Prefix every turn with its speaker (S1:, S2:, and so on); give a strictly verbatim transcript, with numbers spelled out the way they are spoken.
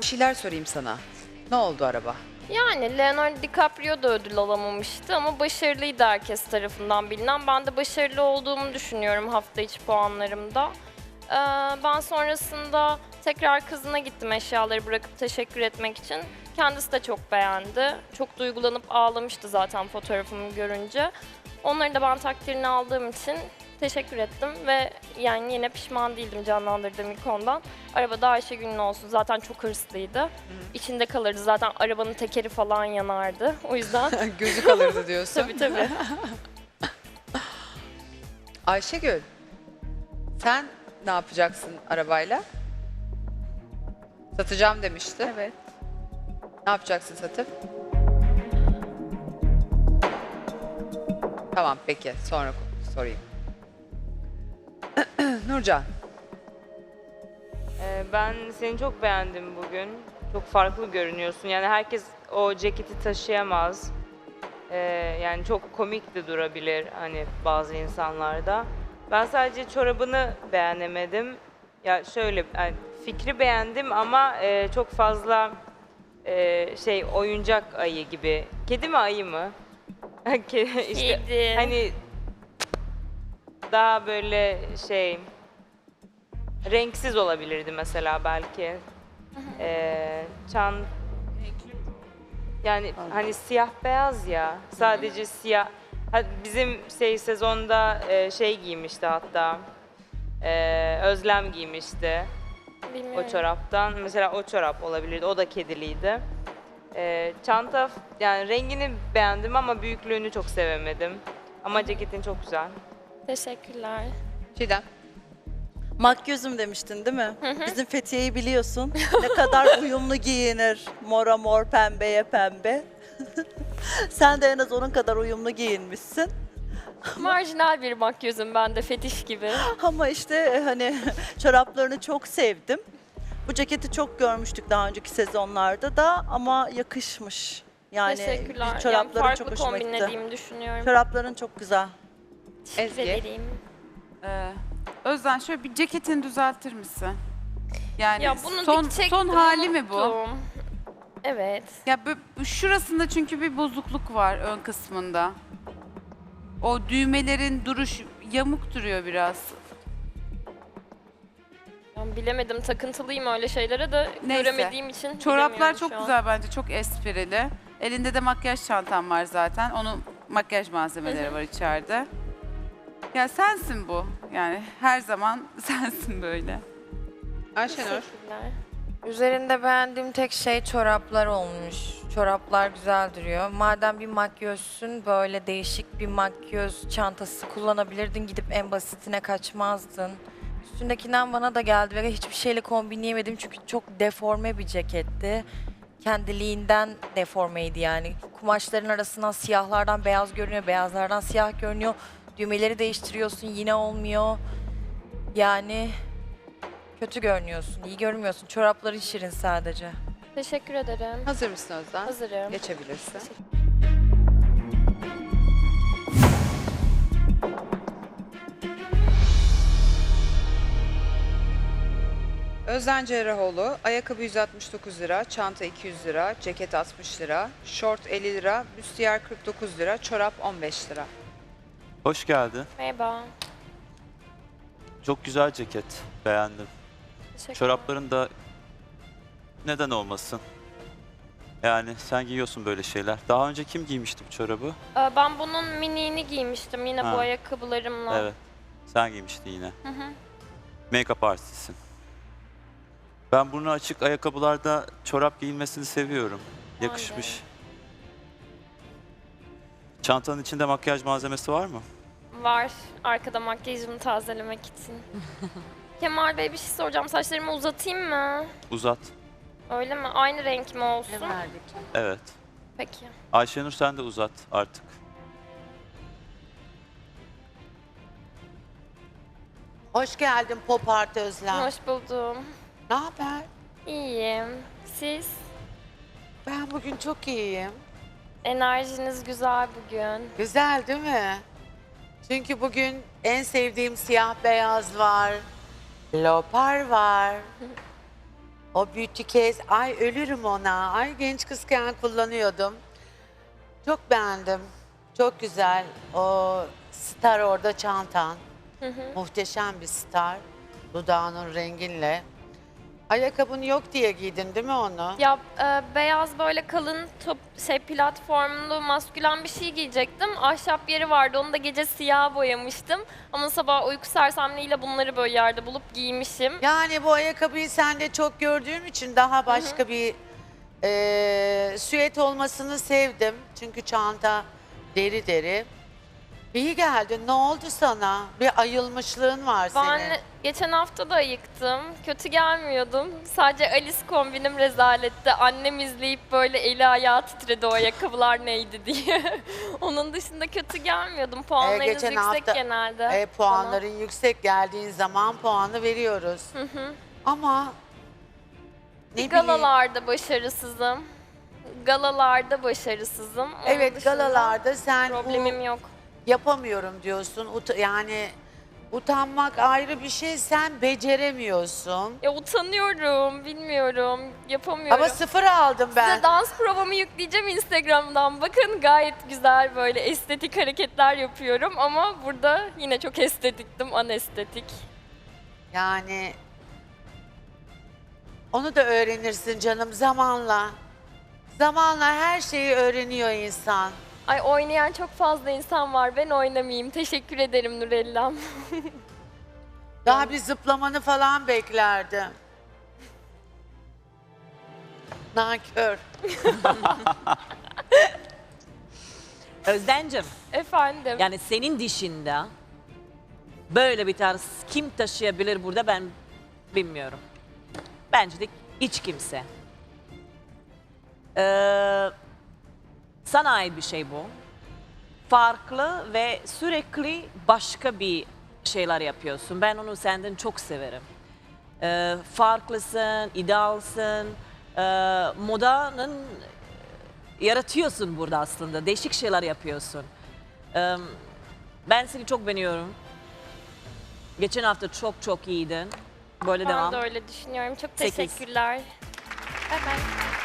S1: şeyler sorayım sana. Ne oldu araba?
S2: Yani Leonardo DiCaprio da ödül alamamıştı ama başarılıydı herkes tarafından bilinen. Ben de başarılı olduğumu düşünüyorum hafta içi puanlarımda. Ee, ben sonrasında tekrar kızına gittim eşyaları bırakıp teşekkür etmek için. Kendisi de çok beğendi. Çok duygulanıp ağlamıştı zaten fotoğrafımı görünce. Onların da ben takdirini aldığım için teşekkür ettim ve yani yine pişman değildim canlandırdığım ilk ondan. Arabada Ayşegül'ün olsun zaten çok hırslıydı. Hı. İçinde kalırdı zaten arabanın tekeri falan yanardı. O yüzden
S1: Gözü kalırdı diyorsun.
S2: tabii tabii.
S1: Ayşegül, sen ne yapacaksın arabayla? Satacağım demişti.
S3: Evet.
S1: Ne yapacaksın satıp? Tamam peki, sonra sorayım. Nurcan.
S4: Ee, Ben seni çok beğendim bugün. Çok farklı görünüyorsun. Yani herkes o ceketi taşıyamaz. Ee, yani çok komik de durabilir hani bazı insanlarda. Ben sadece çorabını beğenemedim. Ya şöyle yani fikri beğendim ama e, çok fazla e, şey oyuncak ayı gibi. Kedi mi ayı mı? işte
S2: Kedi.
S4: hani daha böyle şey renksiz olabilirdi mesela belki. Ee, çan yani hani siyah beyaz ya sadece siyah. Ha, bizim şey sezonda e, şey giymişti hatta e, Özlem giymişti
S2: Bilmiyorum.
S4: o çoraptan. Mesela o çorap olabilirdi. O da kediliydi. E, çanta yani rengini beğendim ama büyüklüğünü çok sevemedim. Ama ceketin çok güzel.
S2: Teşekkürler.
S1: Çiğdem.
S5: Makyözüm demiştin değil mi? Bizim Fethiye'yi biliyorsun. Ne kadar uyumlu giyinir. Mora mor, pembeye pembe. Sen de en az onun kadar uyumlu giyinmişsin.
S2: Marjinal bir makyözüm ben de fetiş gibi.
S5: Ama işte e, hani çoraplarını çok sevdim. Bu ceketi çok görmüştük daha önceki sezonlarda da ama yakışmış. Yani
S2: Teşekkürler. Yani
S5: çorapların
S2: farklı
S5: çok hoşuma gitti.
S2: kombinlediğimi düşünüyorum.
S5: Çorapların çok güzel.
S2: Teşekkür
S1: Ezgi.
S2: ederim.
S3: Ee, Özden şöyle bir ceketini düzeltir misin? Yani
S2: Ya bunu
S3: son
S2: dikecektim,
S3: son hali mi bu?
S2: unuttum. Evet.
S3: Ya bu- şurasında çünkü bir bozukluk var ön kısmında. O düğmelerin duruş yamuk duruyor biraz.
S2: Ben bilemedim, takıntılıyım öyle şeylere de
S3: Neyse.
S2: göremediğim için
S3: Çoraplar
S2: bilemiyorum
S3: çok
S2: şu an.
S3: güzel bence, çok esprili. Elinde de makyaj çantam var zaten. Onun makyaj malzemeleri var içeride. Ya sensin bu. Yani her zaman sensin böyle.
S1: Ayşenur.
S2: Teşekkürler.
S6: Üzerinde beğendiğim tek şey çoraplar olmuş. Çoraplar güzel duruyor. Madem bir makyözsün böyle değişik bir makyöz çantası kullanabilirdin. Gidip en basitine kaçmazdın. Üstündekinden bana da geldi ve hiçbir şeyle kombinleyemedim çünkü çok deforme bir ceketti. Kendiliğinden deformeydi yani. Kumaşların arasından siyahlardan beyaz görünüyor, beyazlardan siyah görünüyor. Düğmeleri değiştiriyorsun yine olmuyor. Yani kötü görünüyorsun, iyi görünmüyorsun. Çorapların şirin sadece.
S2: Teşekkür ederim.
S1: Hazır mısın Özden?
S2: Hazırım.
S1: Geçebilirsin. Özden Cerrahoğlu, ayakkabı yüz altmış dokuz lira, çanta iki yüz lira, ceket altmış lira, şort elli lira, büstiyer kırk dokuz lira, çorap on beş lira.
S7: Hoş geldin.
S2: Merhaba.
S7: Çok güzel ceket. Beğendim.
S2: Teşekkürler.
S7: Çorapların da neden olmasın? Yani sen giyiyorsun böyle şeyler. Daha önce kim giymişti bu çorabı?
S2: Ee, Ben bunun miniğini giymiştim yine
S7: Ha.
S2: bu ayakkabılarımla.
S7: Evet. Sen giymiştin yine.
S2: Hı hı.
S7: Make-up artistisin. Ben burnu açık ayakkabılarda çorap giyilmesini seviyorum.
S2: Ben de.
S7: Yakışmış. Çantanın içinde makyaj malzemesi var mı?
S2: Var. Arkada makyajımı tazelemek için. Kemal Bey bir şey soracağım. Saçlarımı uzatayım mı?
S7: Uzat.
S2: Öyle mi? Aynı renk mi olsun?
S7: Evet.
S2: Peki.
S7: Ayşenur sen de uzat artık.
S8: Hoş geldin Pop Art Özlem.
S2: Hoş buldum.
S8: Ne haber?
S2: İyiyim. Siz?
S8: Ben bugün çok iyiyim.
S2: Enerjiniz güzel bugün.
S8: Güzel değil mi? Çünkü bugün en sevdiğim siyah beyaz var. Leopar var. O beauty case, ay ölürüm ona. Ay genç kızken kullanıyordum. Çok beğendim. Çok güzel. O star orada çantan. Muhteşem bir star. Dudağının renginle. Ayakkabın yok diye giydin değil mi onu?
S2: Ya e, beyaz böyle kalın top şey platformlu maskülen bir şey giyecektim. Ahşap yeri vardı. Onu da gece siyah boyamıştım. Ama sabah uyku sersemliğiyle bunları böyle yerde bulup giymişim.
S8: Yani bu ayakkabıyı sende çok gördüğüm için daha başka bir eee süet olmasını sevdim. Çünkü çanta deri deri. İyi geldin. Ne oldu sana? Bir ayılmışlığın var
S2: Ben
S8: senin.
S2: geçen hafta da ayıktım. Kötü gelmiyordum. Sadece Alice kombinim rezaletti. Annem izleyip böyle eli ayağı titredi o ayakkabılar neydi diye. Onun dışında kötü gelmiyordum. Puanlarınız
S8: Ee, geçen
S2: yüksek
S8: hafta,
S2: genelde.
S8: E, puanların yüksek geldiğin zaman puanı veriyoruz. Ama ne bileyim.
S2: Galalarda başarısızım. Galalarda başarısızım. Onun
S8: Evet,
S2: dışında
S8: galalarda sen
S2: problemim
S8: bu
S2: yok.
S8: yapamıyorum diyorsun. Ut- yani utanmak ayrı bir şey, sen beceremiyorsun.
S2: Ya utanıyorum, bilmiyorum, yapamıyorum.
S8: Ama sıfır aldım ben.
S2: Size dans provamı yükleyeceğim Instagram'dan. Bakın gayet güzel böyle estetik hareketler yapıyorum ama burada yine çok estetiktim, anestetik.
S8: Yani onu da öğrenirsin canım zamanla. Zamanla her şeyi öğreniyor insan.
S2: Ay oynayan çok fazla insan var. Ben oynamayayım. Teşekkür ederim Nurellam.
S8: Daha bir zıplamanı falan beklerdim. Nankör.
S9: Özden'cim,
S2: Efendim.
S9: yani senin dışında böyle bir tarz kim taşıyabilir burada ben bilmiyorum. Bence de hiç kimse. Ee, sana ait bir şey bu. Farklı ve sürekli başka bir şeyler yapıyorsun. Ben onu senden çok severim. Ee, farklısın, idealsın, ee, modanın yaratıyorsun burada aslında. Değişik şeyler yapıyorsun. Ee, ben seni çok beğeniyorum. Geçen hafta çok çok iyiydin. Böyle
S2: Ben
S9: devam.
S2: de öyle düşünüyorum. Çok
S9: Sekiz.
S2: teşekkürler. Bye bye.